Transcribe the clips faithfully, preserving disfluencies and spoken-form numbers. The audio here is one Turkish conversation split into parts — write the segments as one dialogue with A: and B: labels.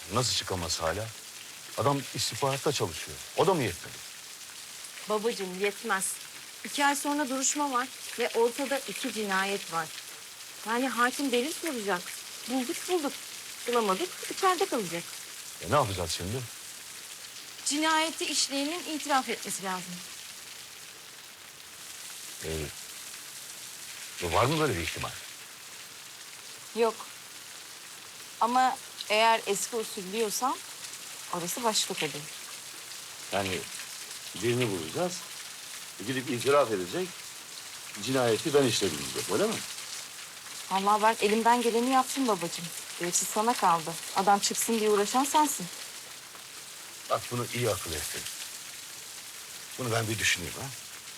A: Nasıl çıkamaz hala? Adam istihbaratta çalışıyor. O da mı yetmedi?
B: Babacığım yetmez. İki ay sonra duruşma var ve ortada iki cinayet var. Yani hakim delil soracak. Bulduk bulduk. Bulamadık içeride kalacak.
A: E ne yapacağız şimdi?
B: Cinayeti işleyenin itiraf etmesi lazım.
A: E, var mı böyle bir ihtimal?
B: Yok. Ama eğer eski usul diyorsan orası başka tabii.
A: Yani birini bulacağız. Gidip itiraf edecek. Cinayeti ben işledim diyecek, öyle mi?
B: Vallahi ben elimden geleni yaptım babacığım. Gerisi sana kaldı. Adam çıksın diye uğraşan sensin.
A: Bak bunu iyi akıl ettin. Bunu ben bir düşüneyim ha.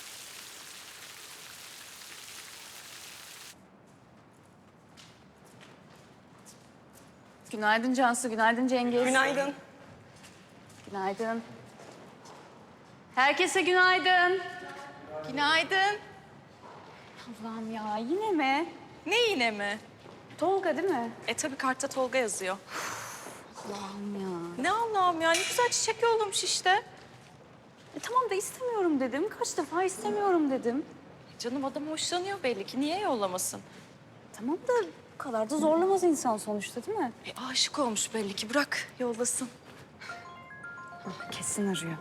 C: Günaydın Cansu, günaydın Cengiz.
D: Günaydın.
C: Günaydın. Herkese günaydın.
D: Günaydın.
C: Allah'ım ya, yine mi?
D: Ne yine mi?
C: Tolga değil mi?
D: E tabii kartta Tolga yazıyor.
C: Allah'ım ya.
D: Ne Allah'ım ya, ne güzel çiçek yollamış işte.
C: E, tamam da istemiyorum dedim. Kaç defa istemiyorum dedim.
D: Canım adam hoşlanıyor belli ki, niye yollamasın?
C: Tamam da bu kadar da zorlamaz insan sonuçta değil mi?
D: E aşık olmuş belli ki, bırak yollasın.
C: Ah, kesin arıyor.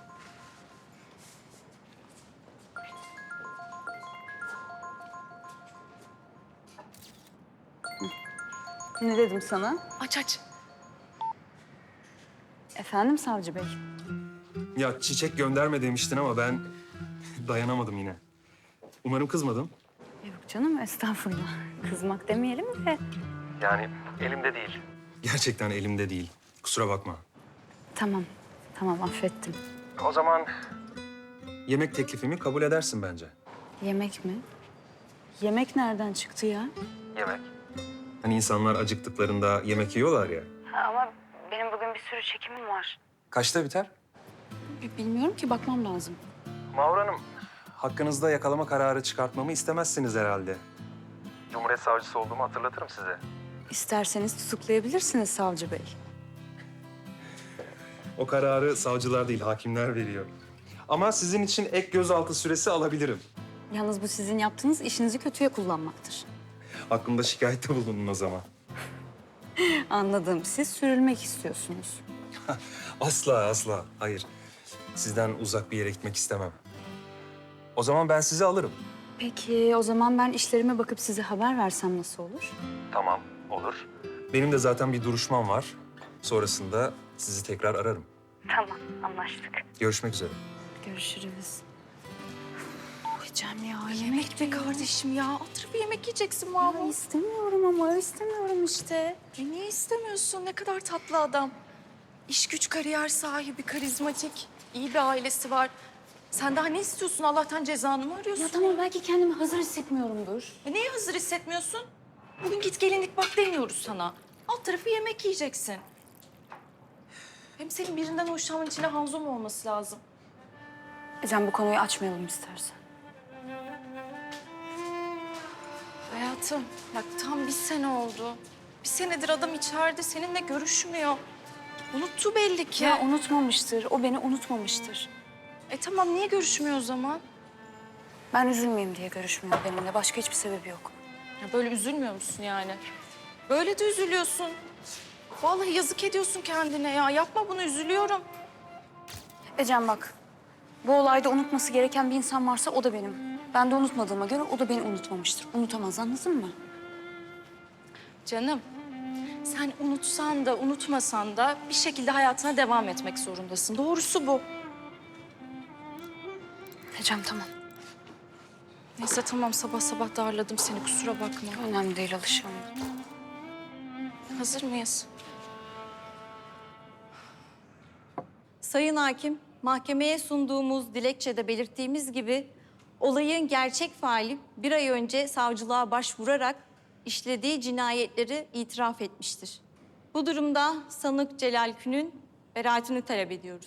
C: Hı. Ne dedim sana?
D: Aç aç.
C: Efendim Savcı Bey?
E: Ya çiçek gönderme demiştin ama ben dayanamadım yine. Umarım kızmadın.
C: Yok canım, estağfurullah. Kızmak demeyelim de.
E: Yani elimde değil. Gerçekten elimde değil. Kusura bakma.
C: Tamam, tamam affettim.
E: O zaman yemek teklifimi kabul edersin bence.
C: Yemek mi? Yemek nereden çıktı ya?
E: Yemek. Hani insanlar acıktıklarında yemek yiyorlar ya.
C: Ama benim bugün bir sürü çekimim var.
E: Kaçta biter?
C: Bilmiyorum ki, bakmam lazım.
E: Mavra Hanım. Hakkınızda yakalama kararı çıkartmamı istemezsiniz herhalde. Cumhuriyet savcısı olduğumu hatırlatırım size.
C: İsterseniz tutuklayabilirsiniz Savcı Bey.
E: O kararı savcılar değil, hakimler veriyor. Ama sizin için ek gözaltı süresi alabilirim.
C: Yalnız bu sizin yaptığınız işinizi kötüye kullanmaktır.
E: Hakkımda şikayette bulunun o zaman.
C: Anladım. Siz sürülmek istiyorsunuz.
E: Asla, asla. Hayır. Sizden uzak bir yere gitmek istemem. O zaman ben sizi alırım.
C: Peki o zaman ben işlerime bakıp size haber versem nasıl olur?
E: Tamam, olur. Benim de zaten bir duruşmam var. Sonrasında sizi tekrar ararım.
C: Tamam, anlaştık.
E: Görüşmek üzere.
C: Görüşürüz. Yiyeceğim ya.
D: Yemek be kardeşim ya, oturup yemek yiyeceksin
C: Ya
D: Mahmut.
C: istemiyorum ama istemiyorum işte.
D: E niye istemiyorsun? Ne kadar tatlı adam. İş güç kariyer sahibi, karizmatik, iyi bir ailesi var. Sen daha ne istiyorsun? Allah'tan cezanı mı arıyorsun?
C: Ya tamam, belki kendimi hazır hissetmiyorumdur.
D: E neye hazır hissetmiyorsun? Bugün git gelinlik bak demiyoruz sana. Alt tarafı yemek yiyeceksin. Hem senin birinden hoşlanman için de Hanzo mu olması lazım?
C: Ecem, bu konuyu açmayalım istersen.
D: Hayatım bak tam bir sene oldu. Bir senedir adam içeride seninle görüşmüyor. Unuttu belli ki.
C: Ya unutmamıştır, o beni unutmamıştır.
D: E tamam niye görüşmüyor o zaman?
C: Ben üzülmeyeyim diye görüşmüyor benimle. Başka hiçbir sebebi yok.
D: Ya böyle üzülmüyor musun yani? Böyle de üzülüyorsun. Vallahi yazık ediyorsun kendine ya. Yapma bunu, üzülüyorum.
C: Ecem bak, bu olayda unutması gereken bir insan varsa o da benim. Ben de unutmadığıma göre o da beni unutmamıştır. Unutamaz, anladın mı?
D: Canım, sen unutsan da unutmasan da bir şekilde hayatına devam etmek zorundasın. Doğrusu bu.
C: Ecem tamam.
D: Neyse tamam, sabah sabah darladım seni, kusura bakma.
C: Önemli değil, alışığım.
D: Hazır mıyız?
F: Sayın Hakim, mahkemeye sunduğumuz dilekçede belirttiğimiz gibi olayın gerçek faili bir ay önce savcılığa başvurarak işlediği cinayetleri itiraf etmiştir. Bu durumda sanık Celal Kün'ün beraatini talep ediyoruz.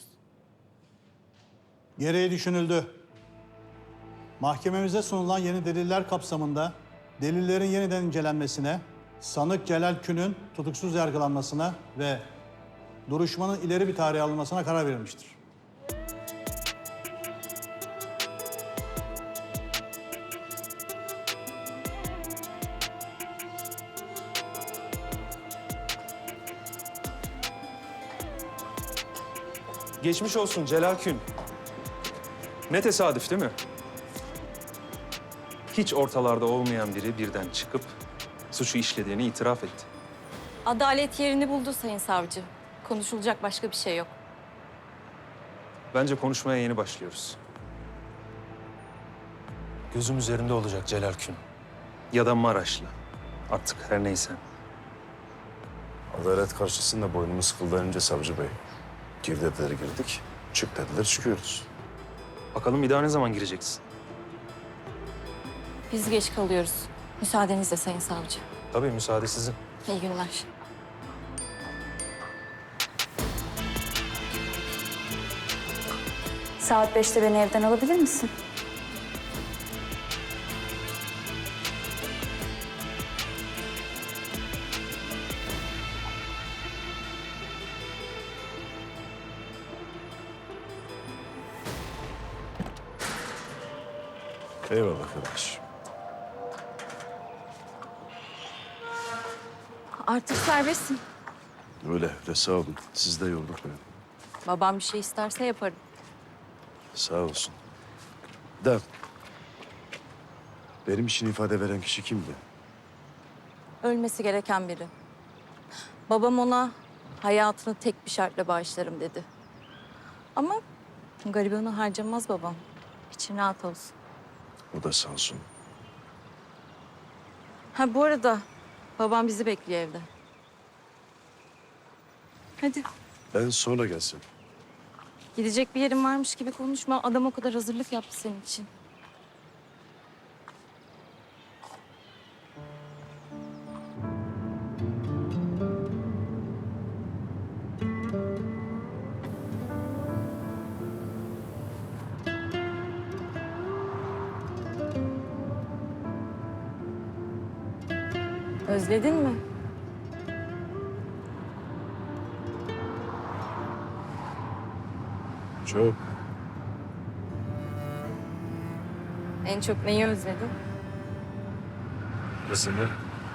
G: Gereği düşünüldü. Mahkememize sunulan yeni deliller kapsamında delillerin yeniden incelenmesine, sanık Celal Kün'ün tutuksuz yargılanmasına ve duruşmanın ileri bir tarihe alınmasına karar verilmiştir.
E: Geçmiş olsun Celal Kün. Ne tesadüf değil mi? Hiç ortalarda olmayan biri birden çıkıp suçu işlediğini itiraf etti.
F: Adalet yerini buldu Sayın Savcı. Konuşulacak başka bir şey yok.
E: Bence konuşmaya yeni başlıyoruz. Gözüm üzerinde olacak Celal Kün. Ya da Maraşlı. Artık her neyse.
A: Adalet karşısında boynumu sıkıldı önce savcı bey. Gir dediler girdik, çık dediler çıkıyoruz.
E: Bakalım bir daha ne zaman gireceksin?
F: Biz geç kalıyoruz. Müsaadenizle Sayın Savcı.
E: Tabii müsaade sizin.
F: İyi günler.
C: Saat beşte beni evden alabilir misin?
A: Eyvallah kardeş.
F: Artık serbestsin.
A: Öyle öyle sağ olun. Siz de yolduk beni.
F: Babam bir şey isterse yaparım.
A: Sağ olsun. Da benim için ifade veren kişi kimdi?
F: Ölmesi gereken biri. Babam ona hayatını tek bir şartla bağışlarım dedi. Ama garibanı harcamaz babam. İçin rahat olsun.
A: O da sağ olsun.
F: Ha bu arada babam bizi bekliyor evde. Hadi.
A: Ben sonra gelsin.
F: Gidecek bir yerin varmış gibi konuşma. Adam o kadar hazırlık yaptı senin için. Özledin mi?
A: Çok.
F: En çok neyi özledin?
A: Kızını.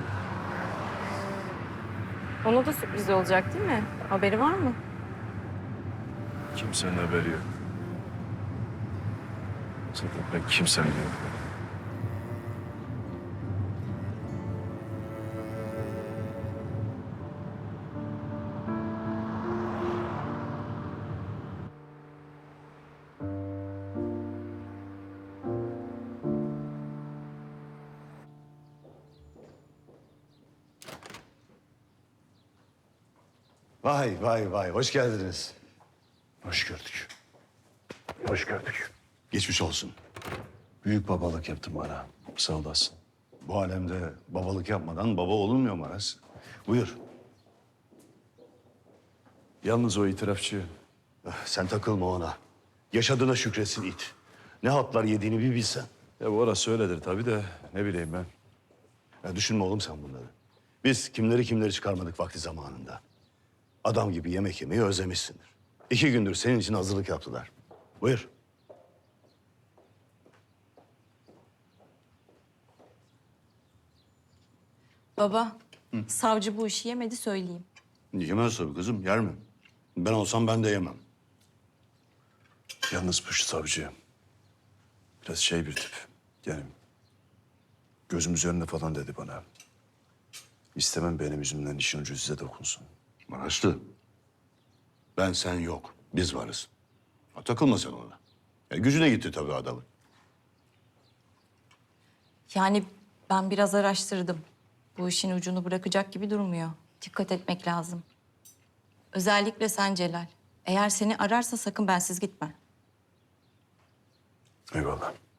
F: Ona da sürpriz olacak değil mi? Haberi var mı?
A: Kimsenin haberi yok. Zaten ben kimsenin yok.
H: Vay vay vay, hoş geldiniz.
A: Hoş gördük. Hoş gördük.
H: Geçmiş olsun.
A: Büyük babalık yaptın bana. Sağ olasın.
H: Bu alemde babalık yapmadan baba olunmuyor Maras. Buyur.
A: Yalnız o itirafçı
H: Eh, Sen takılma ona. Yaşadığına şükretsin it. Ne hatlar yediğini bir bilsen.
A: ya bu orası öyledir tabii de ne bileyim ben.
H: Ya düşünme oğlum sen bunları. Biz kimleri kimleri çıkarmadık vakti zamanında. Adam gibi yemek yemeyi özlemişsindir. İki gündür senin için hazırlık yaptılar. Buyur.
F: Baba, savcı bu işi yemedi söyleyeyim.
H: Yemez tabii kızım, yer mi? Ben olsam ben de yemem.
A: Yalnız bu savcı biraz şey bir tip. Yani gözüm üzerinde falan dedi bana. İstemem benim yüzümden işin ucu size dokunsun.
H: Maraşlı. Ben sen yok. Biz varız. Ha, takılma sen ona. Ya, gücüne gitti tabii adamın.
F: Yani ben biraz araştırdım. Bu işin ucunu bırakacak gibi durmuyor. Dikkat etmek lazım. Özellikle sen Celal. Eğer seni ararsa sakın bensiz gitme.
A: Eyvallah.